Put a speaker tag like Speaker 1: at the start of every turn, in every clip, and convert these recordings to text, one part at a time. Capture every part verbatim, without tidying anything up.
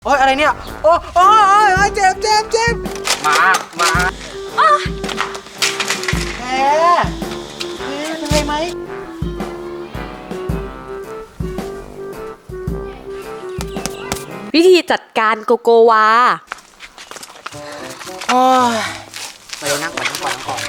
Speaker 1: โอ้ยอะไรเนี่ยโอ้โอ้ยเจ็บเจ็บเจ็บมามาแผลแผลเป็นไรไหม
Speaker 2: วิธีจัดการโกโกวา
Speaker 1: โอ้ยมาเร็วนั่งก่อนนั่งก่อนนั่งก่อน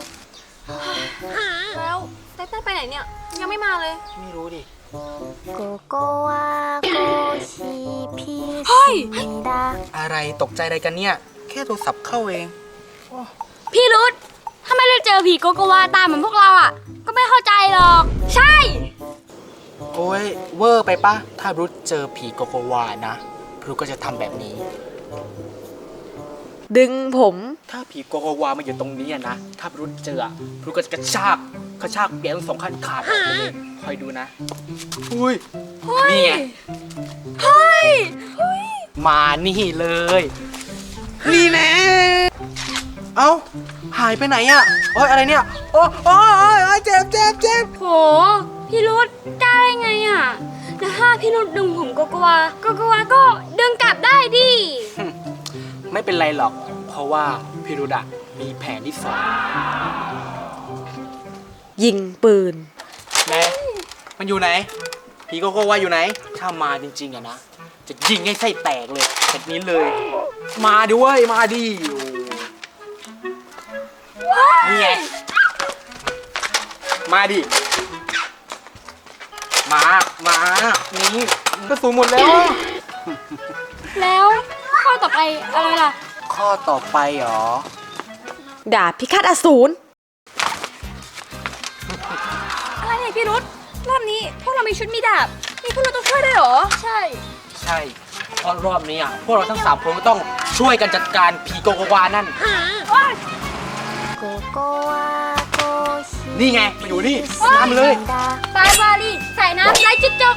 Speaker 3: แล้วไตเติ้ลไปไหนเนี่ยยังไม่มาเลย
Speaker 1: ไม่รู้ดิ
Speaker 4: โกโกวาโกชิพิสิดา
Speaker 1: อะไรตกใจอะไรกันเนี่ยแค่โทรศัพท์เข้าเอง
Speaker 3: พี่รุธถ้าไม่ได้เจอผีโกโกวาตามเหมือนพวกเราอ่ะก็ไม่เข้าใจหรอกใช่
Speaker 1: โอ้ยเวอร์ไปปะถ้ารุธเจอผีโกโกวานะรุธก็จะทำแบบนี้
Speaker 2: ดึงผม
Speaker 1: ถ้าผีโกโกวามาอยู่ตรงนี้นะถ้ารุธเจอรุธก็จะกระชากกระชากเปียงสองขั้นขาดออกเลยคอยดูนะอุ้ยนี่ไง
Speaker 3: เฮ้ย
Speaker 1: มานี่เลยนี่แน่เอ้าหายไปไหนอ่ะโอ้ยอะไรเนี่ยโอ้โอ้ยเจ็บเจ็บเจ็บ
Speaker 3: โหพี่รุธได้ไงอ่ะแล้วถ้าพี่รุธดึงผมโกโกวาโกโกวาก็ดึงกลับได้ดิ
Speaker 1: ไม่เป็นไรหรอกเพราะว่าพี่รุธอะมีแผนที่สอง
Speaker 2: ยิงปืน
Speaker 1: ไหนมันอยู่ไหนผีโกโกวาอยู่ไหนถ้ามาจริงๆอะนะจะยิงให้ไส้แตกเลยแบบนี้เลยมาดิเว้ยมาดินี่ไงมาดิมามานี่กระสุนหมดแล้ว
Speaker 3: แล้วข้อต่อไปอะไรล่ะ
Speaker 1: ข้อต่อไปเหรอ
Speaker 2: ดาบพิฆาตอสูร
Speaker 3: อะไรเนี่ยพี่รุธรอบนี้พวกเรามีชุดมีดาบนี่พวกเราต้องช่วยได้เหรอใช่
Speaker 1: ใช่เพราะรอบนี้อ่ะพวกเราทั้งสามคนก็ต้องช่วยกันจัดการผีโกโกวานั่น
Speaker 4: โกโกวาโกชิ
Speaker 1: นี่ไงมาอยู่นี่น้ำเลย
Speaker 3: บายบาลีใส่น้ำไล่จิ๊กจก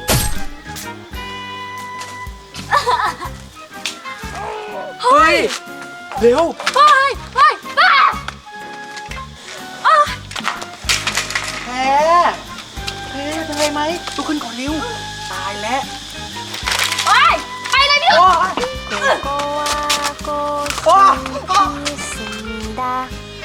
Speaker 1: เฮ้ยเร็ว
Speaker 3: เฮ้ยเฮ้ยบ้า
Speaker 1: แพ้แพ้เป็นไรไหมลุกขึ้นก่อนเร็วตายแล้ว
Speaker 3: โอ้ยไปเลยพี่
Speaker 4: โกโกวาโกชิพิสิดา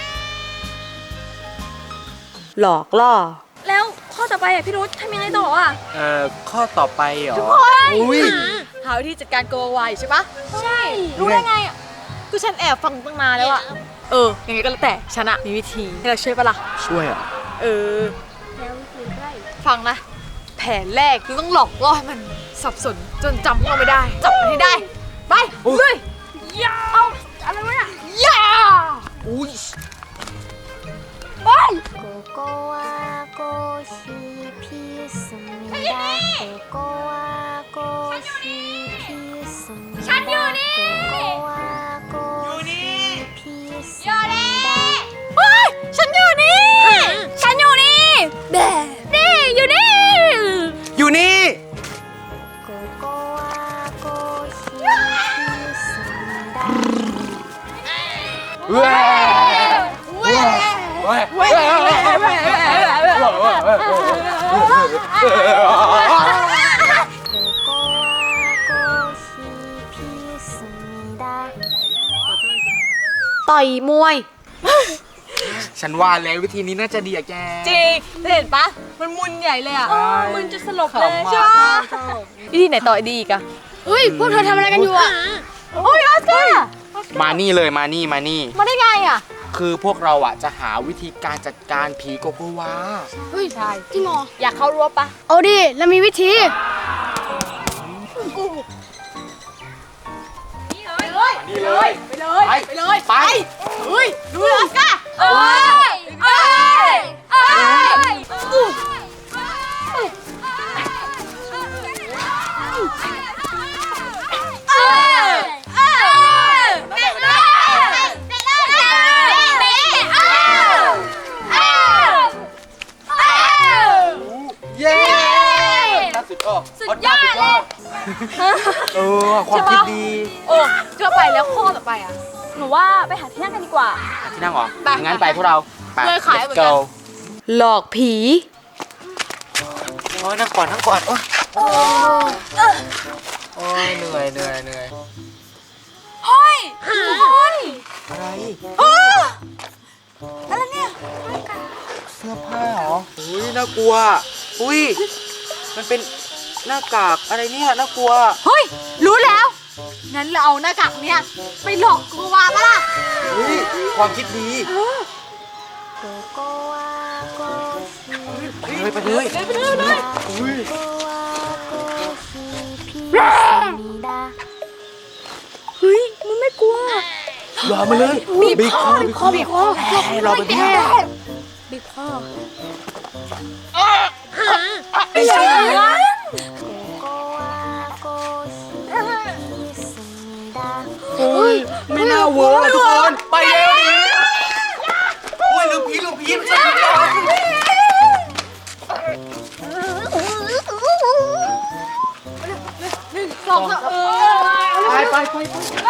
Speaker 2: หลอกล่อ
Speaker 3: แล้วข้อต่อไปอ่ะพี่รุธทำยังไงต่ออ่ะ
Speaker 1: เอ่อข้อต่อไปเหรอ
Speaker 2: อุ้ยหาวิธีจัดการโกโกวาใช่ปะ
Speaker 3: ใช่รู้ได้ไงอ่ะ
Speaker 2: ก็ฉันแอบฟังตั้งนานแล้วอ่ะเออยังไงก็แล้วแต่ฉันอะมีวิธีให้เราช่วยปะล่ะ
Speaker 1: ช่วยอ่ะ
Speaker 2: เออ
Speaker 3: แล้ววิธีได้
Speaker 2: ฟังนะแผนแรกคือต้องหลอกล่อให้มันสับสนจนจำพวกเราไม่ได้จับมันให้ได้ไปเลย
Speaker 3: ย่าเอาอะไรวะเนี่ย
Speaker 2: ย่า
Speaker 1: อุ้ย
Speaker 3: ไป
Speaker 4: โกโกวาโกชิพิสิดาโกโกวาโกชิพิสิดา
Speaker 3: ฉันอยู่นี่
Speaker 4: โกโกวาโกชิพิสิดา
Speaker 3: เฮ้ยฉันอยู่นี่ฉันอยู่นี่แบนี่อยู่นี่
Speaker 1: อยู่นี่
Speaker 4: โกโกวาโกชิพิสิดา
Speaker 1: เว้ยเว้ยเว้ยเว้ยเว้ยเว้ยเว้ย
Speaker 2: ต่อยมวย
Speaker 1: ฉันว่าแล้ววิธีนี้น่าจะดีอะแก
Speaker 2: จริงเห็นปะมันมุนใหญ่เลยอะ
Speaker 3: มึนจะสลบเลยใช่ปะ
Speaker 2: วิธีไหนต่อยดีอีกอะ
Speaker 3: เฮ้ยพวกเธอทำอะไรกันอยู่อะ
Speaker 2: โอ้ยออสการ์
Speaker 1: มานี่เลยมานี่มานี่
Speaker 2: มาได้ไงอะ
Speaker 1: คือพวกเราอ่ะจะหาวิธีการจัดการผีโกโกวา
Speaker 3: เฮ้ย
Speaker 2: ใช่
Speaker 3: จริงเหรอ
Speaker 2: อยากเข้ารั้วปะ
Speaker 3: เอาดิแล้วมีวิธี
Speaker 1: ไปเลยไปเลย
Speaker 2: ไปเลยไปเลย
Speaker 1: ไป
Speaker 2: เฮ้ยดูออสการ์
Speaker 3: เอ้ยเอ้ยเอ้ย
Speaker 1: สุดยอดเลยเออความคิดดี
Speaker 2: โอ้เชื่อไปแล้วข้อต่อไปอ่ะ
Speaker 3: หนูว่าไปหาที่นั่งกันดีกว่า
Speaker 1: ที่นั่งเหรองั้นไปพวกเรา
Speaker 2: เลยขายเหมือนกันหลอกผี
Speaker 1: โอ้ยนั่งก่อนนั่งก่อนโอ้โอ้ยเหนื่อยเหนื่อยเหนื่อย
Speaker 2: เฮ้ยทุกคน
Speaker 1: อะไร
Speaker 2: เอออะไรเนี่ย
Speaker 1: เสื้อผ้าเหรออุ้ยน่ากลัวอุ้ยมันเป็นหน้ากากอะไรเนี่ยน่ากลัว
Speaker 2: เฮ้ยรู้แล้ว งั้นเราเอาหน้ากากเนี่ยไปหลอกโกโกวาปะล่ะ
Speaker 1: อุ้ยความคิดดี
Speaker 4: ここはコーヒー
Speaker 1: ไปเลยไปเลย
Speaker 2: ไปเลยไปเลย
Speaker 1: อุ้ย
Speaker 4: ここはコーヒーピースミだ
Speaker 3: เฮ้ยมันไม่กลัว
Speaker 1: รอมาเลย
Speaker 2: บีบคอบีบคอบีบคอ
Speaker 1: รอไปพี่
Speaker 3: บิ๊กพ่อ
Speaker 1: ไม่ใช่
Speaker 4: ここはコーヒーピースミだ
Speaker 1: เฮ้ยไม่น่าเวิร์กอะทุกคนไปเร็วดิอุ้ยลูกพีลูกพีไม่ใช่พีหรอ
Speaker 2: สองเออ
Speaker 1: ไปไปไปไป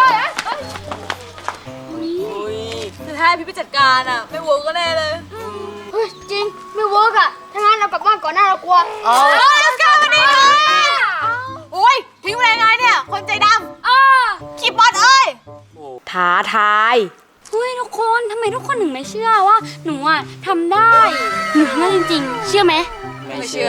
Speaker 1: อุ้ย
Speaker 2: คือถ้าให้พี่ไปจัดการอ่ะ ไม่เวิร์กก็แน่เลย
Speaker 3: เฮ้ยจริงไม่เวิร์กอะถ้างั้นเรากลับบ้านก่อนหน้าเรากลัว
Speaker 1: เอา
Speaker 2: เออก้าวมาดิโอ้ยทิ้งไปยังไงเนี่ย คนใจดำ
Speaker 3: อ้า
Speaker 2: คีบอสเอ้ย
Speaker 5: ท้าทาย
Speaker 3: เฮ้ยทุกคนทำไมทุกคนถึงไม่เชื่อว่าหนูอะทำได้ หนูทำได้จริงๆ เชื่อไหม
Speaker 2: ไม่เชื่อ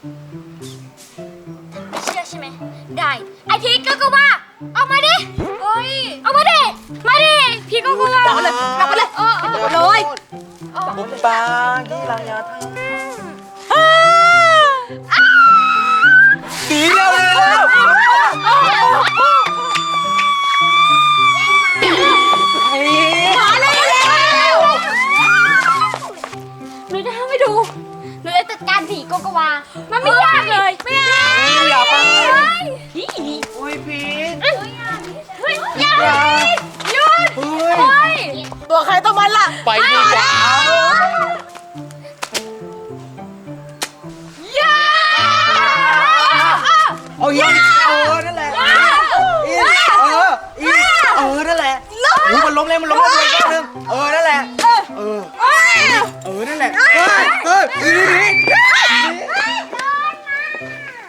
Speaker 3: ไม่เชื่อใช่ไหม ได้ ไอพีก็ก็ว่าออกมาดิเฮ้ยออกมาดิ มาดิ พี่ก็ก็ว่า
Speaker 2: เอาเลยเอาไปเลย
Speaker 3: เออเออ
Speaker 2: เอาเลย
Speaker 1: บุปผาที่ลายาทั้งสีเร็วเร็วเร็ว
Speaker 2: มาเลยเร็ว
Speaker 3: หนูจะทำให้ดู หนูจะจัดการผีโกโกวา มันไม่ยากเลย ไม่ยาก
Speaker 1: อย่าไป
Speaker 3: นี่นี่
Speaker 1: อุ้ยพีท
Speaker 3: เฮ้ยเฮ้ยอย่า
Speaker 1: อย่า
Speaker 3: หยุด
Speaker 1: เฮ้ย
Speaker 3: เฮ้ย
Speaker 2: ตัวใครตัวมันล่ะ
Speaker 1: ไปดีกว่า
Speaker 2: ย่า
Speaker 1: เอาอีกเออนั่นแหละอีกเอออีกเออนั่นแหละอุ้ยมันล้มแล้วมันล้มแล้วอีกรอบนึงเออนั่นแหละ